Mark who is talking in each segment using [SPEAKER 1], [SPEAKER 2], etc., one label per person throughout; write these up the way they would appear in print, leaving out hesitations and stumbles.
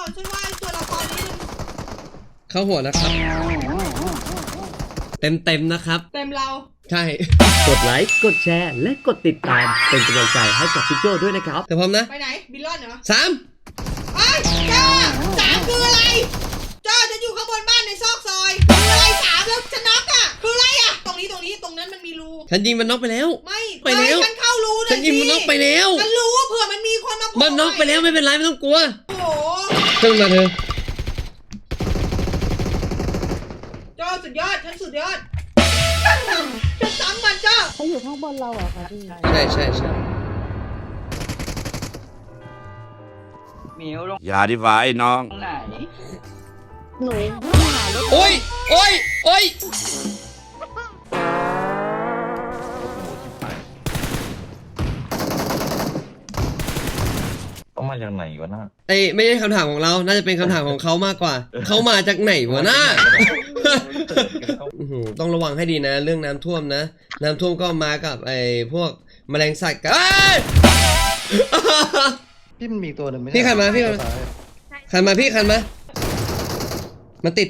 [SPEAKER 1] ช่วยว่าตัวละครนี้มัน
[SPEAKER 2] เข้าหัวนะครับ เต็มนะครับ
[SPEAKER 1] เต็มเรา
[SPEAKER 2] ใช่
[SPEAKER 3] กดไลค์กดแชร์และกดติดตามเป็นกำลังใจให้กับพี่โจด้วยนะครับ
[SPEAKER 2] แต่พร้อมนะ
[SPEAKER 1] ไปไหนบิลลอนเหรอ
[SPEAKER 2] 3
[SPEAKER 1] ไอ้จ้า3คืออะไรจ้าจะอยู่ข้างบนบ้านในซอกซอยคืออะไร3แล้วฉันน็อกอ่ะคืออะไรอ่ะตรงนั้นมันมีรู
[SPEAKER 2] ฉันยิงมันน็อกไปแล้ว
[SPEAKER 1] ไม่
[SPEAKER 2] ไปแล้ว
[SPEAKER 1] ฉันเข้ารูเลย
[SPEAKER 2] ฉันยิงมันน็อกไปแล้ว
[SPEAKER 1] ฉันรู้เผื่อมันมีคนมา
[SPEAKER 2] มันน็อกไปแล้วไม่เป็นไรไม่ต้องกลัว
[SPEAKER 1] โอ้โห
[SPEAKER 2] ขึ้นมาเธอ
[SPEAKER 1] จ้าสุดยอดฉันสุดยอดฉันซ้ำมันจ้า
[SPEAKER 4] เขาอยู่ข้างบนเราเหรอคะพี่
[SPEAKER 2] ใช่
[SPEAKER 5] หมิวลง
[SPEAKER 6] อย่าดีกว่าไอ้น้อง
[SPEAKER 5] ไหน
[SPEAKER 4] หนูหารถ
[SPEAKER 2] โอ้ย
[SPEAKER 7] เขามาจากไหนวะน่า
[SPEAKER 2] ไอ้ไม่ใช่คำถามของเรา น่าจะเป็นคำถามของเขามากกว่า เขามาจากไหนวะน่า อื้อหือต้องระวังให้ดีนะ เรื่องน้ำท่วมนะ น้ำท่วมก็มากับไอ้พวกแมลงสัตว์กับเอ้ย
[SPEAKER 7] พี่มันมีตัวหนึ่งไหม
[SPEAKER 2] พี่ขันมาพี่ขันมาพี่ขันมามันติด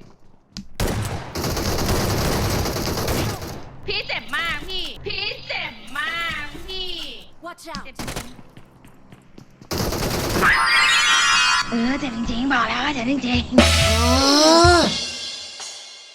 [SPEAKER 8] พี่เจ็บมากพี่เจ็บมากพี่
[SPEAKER 4] Watch out
[SPEAKER 8] เจ็บจริงๆบอกแล้วว่าเจ็บจริง
[SPEAKER 2] อ๋อ